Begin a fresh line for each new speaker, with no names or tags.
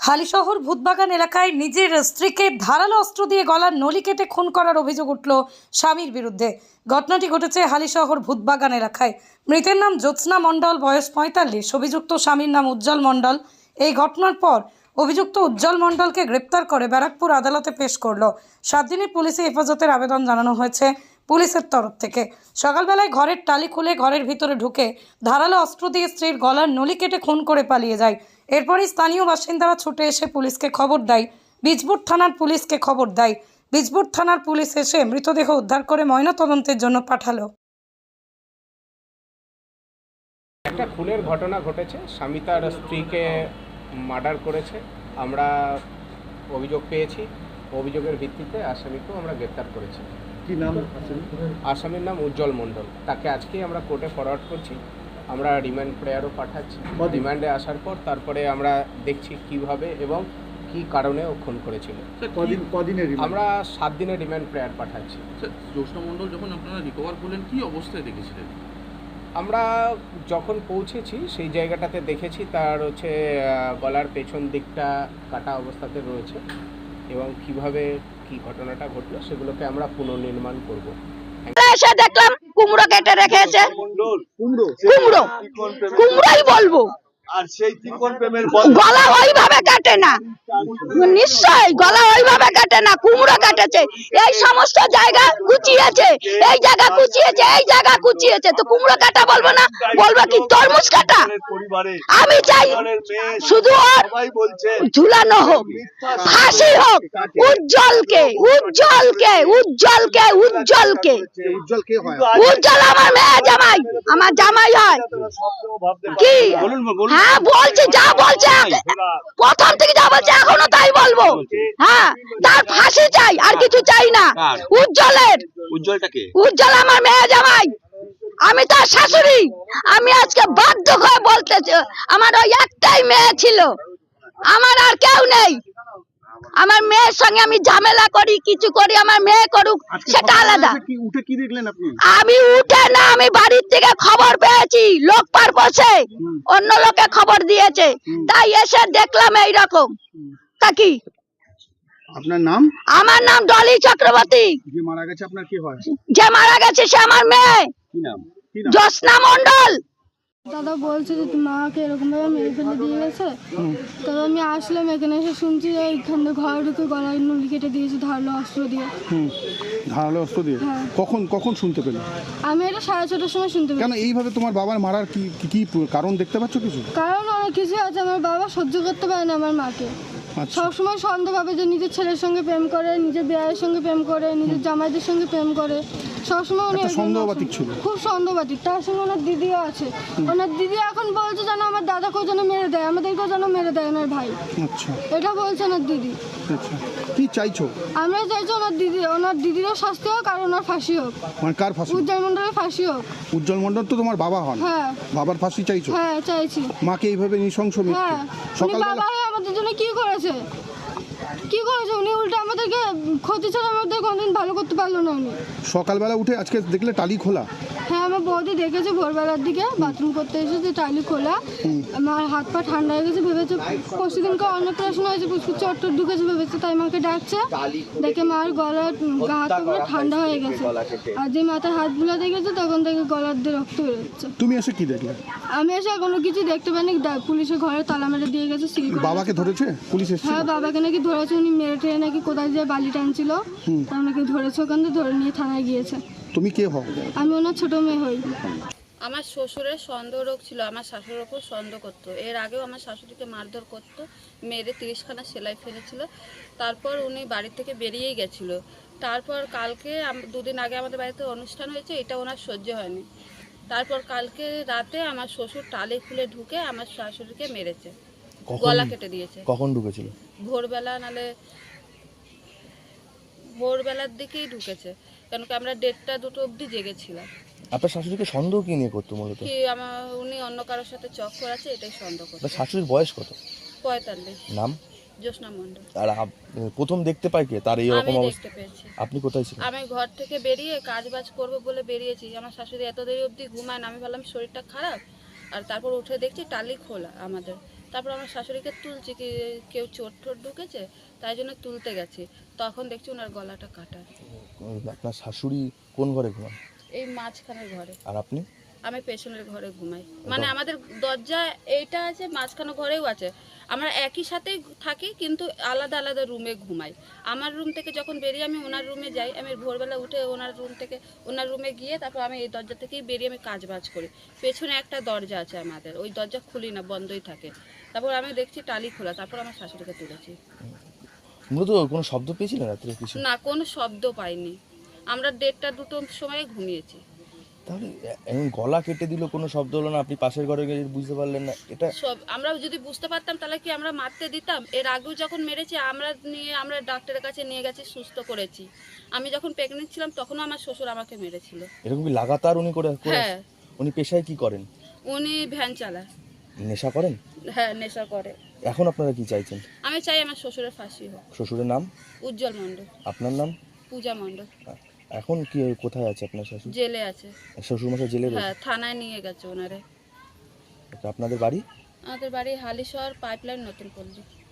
হালিশহর ভূতবাগান এলাকায় নিজের স্ত্রীকে ধারালো অস্ত্র দিয়ে গলার নলি কেটে খুন করার অভিযোগ উঠল স্বামীর বিরুদ্ধে। ঘটনাটি ঘটেছে হালিশহর ভূতবাগান এলাকায়। মৃতের নাম জ্যোৎস্না মণ্ডল, বয়স 45। অভিযুক্ত স্বামীর নাম উজ্জ্বল মণ্ডল। এই ঘটনার পর অভিযুক্ত উজ্জ্বল মণ্ডলকে গ্রেপ্তার করে ব্যারাকপুর আদালতে পেশ করল। 7 দিনের পুলিশি হেফাজতের আবেদন জানানো হয়েছে পুলিশের তরফ থেকে। সকালবেলায় ঘরের টালি খুলে ঘরের ভিতরে ঢুকে ধারালো অস্ত্র দিয়ে স্ত্রীর গলার নলি কেটে খুন করে পালিয়ে যায়। এরপরই স্থানীয় বাসিন্দারা ছুটে এসে পুলিশকে খবর দেয়। বীজপুর থানার পুলিশকে খবর দেয়। বীজপুর থানার পুলিশ এসে মৃতদেহ উদ্ধার করে ময়নাতদন্তের জন্য পাঠালো।
একটা খুনের ঘটনা ঘটেছে, স্বামী তার স্ত্রীকে মার্ডার করেছে। আমরা অভিযোগ পেয়েছি, অভিযোগের ভিত্তিতে আসামিকেও আমরা গ্রেপ্তার করেছি।
কি নাম?
আসামির নাম উজ্জ্বল মণ্ডল। তাকে আজকেই আমরা কোর্টে ফরওয়ার্ড করছি। আমরা রিমান্ড প্রেয়ারও পাঠাচ্ছি। রিমান্ডে আসার পর তারপরে আমরা দেখছি কিভাবে এবং কি কারণে ও খুন করেছিল। আমরা 7 দিনের রিমান্ড প্রেয়ার পাঠাচ্ছি।
জ্যোৎস্না মণ্ডল যখন আপনারা রিকভার করলেন কি অবস্থায় দেখেছিলেন?
আমরা যখন পৌঁছেছি সেই জায়গাটাতে দেখেছি তার গলার পেছন দিকটা কাটা অবস্থাতে রয়েছে এবং কিভাবে কি ঘটনাটা ঘটলো সেগুলোকে আমরা পুনর্নির্মাণ করব।
এসে দেখলাম কুমড়ো কেটে রেখেছে। কুমড়োই বলবো।
আর সেই ত্রিকোণ প্রেমের
গলা ওইভাবে কাটে না, নিশ্চয় গলা ওইভাবে কাটে না, কুমড়ো কাটেছে। এই সমস্ত জায়গা কুচিয়েছে, এই জায়গা কুচিয়েছে, এই জায়গা কুচিয়েছে, তো কুমড়ো কাটা বলবো না, বলবো কি তরমুজ কাটা? আমি চাই শুধু ওর ঝুলানো হোক, ফাঁসি হোক উজ্জ্বলকে, উজ্জ্বলকে, উজ্জ্বলকে, উজ্জ্বলকে। উজ্জ্বল আমার মেয়ে জামাই, আমার জামাই হয় কি? হ্যাঁ বলছি, যা বলছে প্রথম থেকে যা বলছে এখনো তাই বলবো। হ্যাঁ, তার ফাঁসি চাই, আর কিছু চাই না। উজ্জ্বলের, উজ্জ্বল আমার মেয়ে জামাই, আমি তার শাশুড়ি। আমি আজকে বাধ্য হয়ে বলতেছি, আমার ওই একটাই মেয়ে ছিল, আমার আর কেউ নেই। আমার মেয়ের সঙ্গে আমি ঝামেলা করি, কিছু করি, আমার মেয়ে করুক সেটা আলাদা। আমি উঠে না, আমি বাড়ির থেকে খবর পেয়েছি, লোক পার বসে অন্য লোকে খবর দিয়েছে, তাই এসে দেখলাম এইরকম। তা কি
আপনার নাম?
আমার নাম ডলি চক্রবর্তী।
যে মারা গেছে আপনার কি হয়?
যে মারা গেছে সে আমার মেয়ে
কি নাম?
জ্যোৎস্না মণ্ডল।
দাদা বলছে যে মাকে এরকম ভাবে মেরে ফেলে দিয়ে গেছে। তবে আমি আসলাম এখানে, এসে শুনছি যে এইখানে ঘরে ঢুকে গলায় নলি কেটে দিয়েছে ধারালো অস্ত্র দিয়ে।
ধারালো অস্ত্র দিয়ে?
হ্যাঁ।
কখন শুনতে পেলে?
আমি এটা 6:30টার সময় শুনতে পেলাম।
কেন এইভাবে তোমার বাবার মারার কি কারণ দেখতে পাচ্ছ কিছু?
কারণ অনেক কিছু আছে, আমার বাবা সহ্য করতে পারে না আমার মাকে। সবসময় সন্দেহ ভাবে যে নিজের ছেলের সঙ্গে প্রেম করে, নিজের বিয়ের সঙ্গে প্রেম করে, নিজের জামাইদের সঙ্গে প্রেম করে, সবসময় উনি
সন্দেহবাতিক ছিল,
খুব সন্দেহবাতিক। তার সঙ্গে ওনার দিদিও আছে। ওনার দিদি এখন বলছে যেন আমার দাদাকেও যেন মেরে দেয়, আমাদেরকেও যেন মেরে দেয় ওনার ভাই।
আচ্ছা,
এটা বলছে ওনার দিদি।
আচ্ছা, কি চাইছো?
আমরা চাইছি ওনার দিদিরও শাস্তি হোক আর ওনার ফাঁসি হোক।
মানে কার ফাঁসি?
উজ্জ্বল মণ্ডলের ফাঁসি হোক।
উজ্জ্বল মণ্ডল তো তোমার বাবা হন।
হ্যাঁ।
বাবার ফাঁসি চাইছো?
হ্যাঁ চাইছি।
মাকে এইভাবে নৃশংস মৃত্যু?
হ্যাঁ।
সকালবেলা
বাবা আমাদের জন্য কি করেছে? উনি উল্টে আমাদেরকে ক্ষতি ছাড়া আমাদের কোনদিন ভালো করতে পারলো না উনি।
সকালবেলা উঠে আজকে দেখলে টালি খোলা?
হ্যাঁ, আমার বৌদি দেখেছে ভোরবেলার দিকে বাথরুম করতে এসেছে, টালি খোলা। আমার হাত পা ঠান্ডা হয়ে গেছে, ভেবেছে পরশু দিনকে অন্নপ্রাশন হয়েছে, চট্টর ঢুকেছে ভেবেছে, তাই মাকে ডাকছে। দেখে মার গলার হাতগুলো ঠান্ডা হয়ে গেছে, আর যে মাথার হাতগুলো দেখেছে তখন থেকে গলার দিয়ে রক্ত বেরোচ্ছে।
তুমি এসে কি দেখলে?
আমি এসে কোনো কিছু দেখতে পাইনি, পুলিশের ঘরে তালা মেরে দিয়ে গেছে, সিল করে।
বাবাকে ধরেছে পুলিশ? এসেছে?
হ্যাঁ, বাবাকে নাকি ধরেছে, উনি মেরে টেরে নাকি কোথায় যে বালি টানছিল, তার নাকি ধরেছে, ওখান থেকে ধরে নিয়ে থানায় গিয়েছে।
তুমি কে হও?
আমি ওনার ছোট মেয়ে হই।
আমার শ্বশুরের সন্দেহ রোগ ছিল, আমার শাশুড়ির ওপর সন্দেহ করতো। এর আগেও আমার শাশুড়িকে মারধর করতো, মেরে 30খানা সেলাই ফেলেছিল। তারপর উনি বাড়ি থেকে বেরিয়েই গেছিলো। তারপর কালকে 2 দিন আগে আমাদের বাড়িতে অনুষ্ঠান হয়েছে, এটা ওনার সহ্য হয়নি। তারপর কালকে রাতে আমার শ্বশুর টালি খুলে ঢুকে আমার শাশুড়িকে মেরেছে, গলা কেটে দিয়েছে।
কখন ঢুকেছিল?
ভোরবেলা, নালে ভোরবেলার দিকেই ঢুকেছে, কেন কি আমরা 1:30-2 অবধি জেগেছিলাম।
আপনার শাশুড়িকে সন্দেহ কি নিয়ে করতো মূলত?
কি উনি অন্য কারোর সাথে চক্কর আছে, এটাই সন্দেহ করতো।
আপনার শাশুড়ির বয়স কত?
45।
নাম?
জ্যোৎস্না মণ্ডল।
আর প্রথম দেখতে পাই কে তার এই রকম
আমি
অবস্থা?
দেখতে পেয়েছি।
আপনি কোথায় ছিলেন?
আমি ঘর থেকে বেরিয়ে কাজবাজ করবো বলে বেরিয়েছি। আমার শাশুড়ি এত দেরি অবধি ঘুমায় না, আমি ভাবলাম শরীরটা খারাপ, আর তারপর উঠে দেখছি টালি খোলা আমাদের। তারপর আমার শাশুড়িকে তুলছি কি কেউ চোট ঠোট ঢুকেছে, তাই জন্য তুলতে গেছি। তখন দেখছি ওনার গলাটা কাটা,
আপনার শাশুড়ি কোন ঘরে ঘুমান?
এই মাঝখানের ঘরে।
আর আপনি?
আমি পেছনের ঘরে ঘুমাই, মানে আমাদের দরজা এইটা আছে, মাঝখানে ঘরেও আছে। আমরা একই সাথেই থাকি কিন্তু আলাদা আলাদা রুমে ঘুমাই। আমার রুম থেকে যখন বেরিয়ে আমি ওনার রুমে যাই, আমি ভোরবেলা উঠে ওনার রুম থেকে ওনার রুমে গিয়ে তারপর আমি এই দরজা থেকেই বেরিয়ে আমি কাজ বাজ করি। পেছনে একটা দরজা আছে আমাদের, ওই দরজা খুলি না, বন্ধই থাকে। তারপর আমি দেখছি টালি খোলা, তারপর আমার শাশুড়িকে তুলেছি।
মূলত কোনো শব্দ পেয়েছিলেন রাত্রে কিছু?
না, কোনো শব্দ পাইনি। আমরা 1:30 2টোর সময় ঘুমিয়েছি।
তাহলে এমন গলা কেটে দিল, কোনো শব্দ হলো না, আপনি পাশের ঘরে গিয়ে বুঝতে পারলেন না? এটা
সব আমরা যদি বুঝতে পারতাম তাহলে কি আমরা মারতে দিতাম? এর আগেও যখন মেরেছে আমরা ডাক্তারের কাছে নিয়ে গেছি, সুস্থ করেছি। আমি যখন প্রেগনেন্ট ছিলাম তখনও আমার শ্বশুর আমাকে মেরেছিল।
এরকম কি লাগাতার উনি করে?
হ্যাঁ,
উনি পেশায় কি করেন?
উনি ভ্যান চালায়।
নেশা করেন?
হ্যাঁ, নেশা করে।
এখন আপনারা কি চাইছেন?
আমি চাই আমার শ্বশুরের ফাঁসি হোক।
শ্বশুরের নাম?
উজ্জ্বল মণ্ডল।
আপনার নাম?
পূজা মণ্ডল।
এখন কি কোথায় আছে আপনার শ্বশুর?
জেলে আছে।
শ্বশুরমশাই জেলে রয়েছে?
হ্যাঁ, থানায় নিয়ে গেছে ওনারে।
আপনাদের বাড়ি?
আমাদের বাড়ি হালিশহর পাইপলাইন নতুন পল্লী।